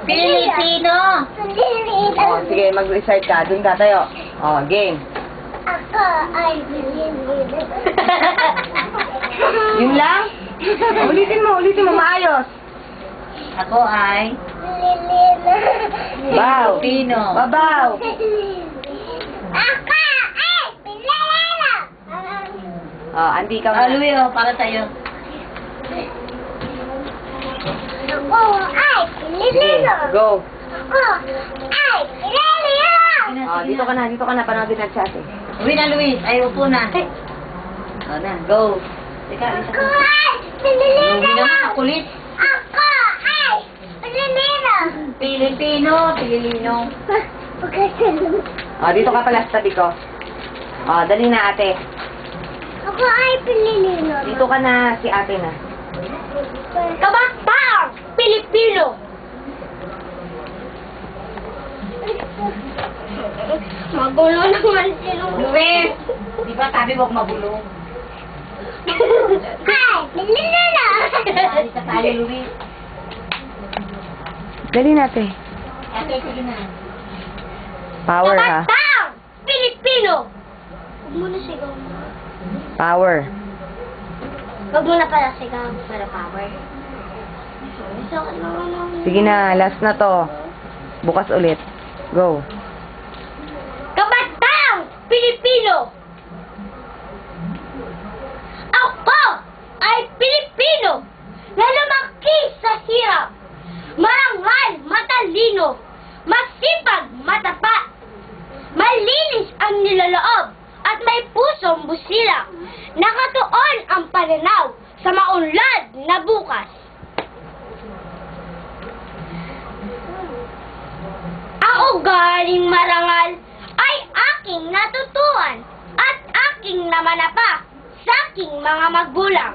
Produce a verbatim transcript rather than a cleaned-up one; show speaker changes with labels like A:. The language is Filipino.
A: Pilipino.
B: Oh, sige, mag-recite ka. Doon ka tayo. Oh, game.
C: Ako ay Pilipino.
B: Yun lang? Ulitin mo, ulitin mo, maayos.
A: Ako ay
C: Pilipino.
B: Baw.
A: Pilipino.
B: Babaw.
C: Ako ay Pilipino.
B: Oh, Andy, ikaw
A: Ah,
B: na.
A: Louie, oh, para sa'yo.
C: Ako ay
B: Sige,
C: Pilipino.
B: go.
C: Ako ay Pilipino.
B: Oh, dito ka na, dito ka na. Panoodin na chat eh.
A: Uwi na, Luis. Ay, upo na. O na, go. Teka, isa
C: Ako
A: ko.
C: ay Pilipino.
A: Uwi naman, makulit.
C: Ako ay Pilipino.
A: Pilipino, Pilipino.
C: Pagkasalong.
B: Oh, dito ka pala sa tabi ko. Oh, dali na ate.
C: Ako ay Pilipino.
B: Dito ka na, si ate na.
C: Kabatang Pilipino. Magulo naman silong.
A: Luis! Di ba sabi mo mabulong?
C: Ay, Pilipino.
A: Sali ka tayo, Luis.
B: Dali na ate.
A: Ate, sige na.
B: Power ha.
C: Kabatang Pilipino. Huwag mo na sigaw.
B: Power.
C: Huwag mo na pala sigaw para power. Sakit naman ang...
B: Sige na, last na to. Bukas ulit. Go.
C: Kabatang Pilipino. Ako ay Pilipino na lumaki sa hirap. Marangal, matalino, masipag, matapat. Malinis ang niloloob at may pusong busila. Nakatuon ang pananaw sa maunlad na bukas. Ang ugaling marangal ay aking natutuhan at aking namanapa sa aking mga magulang.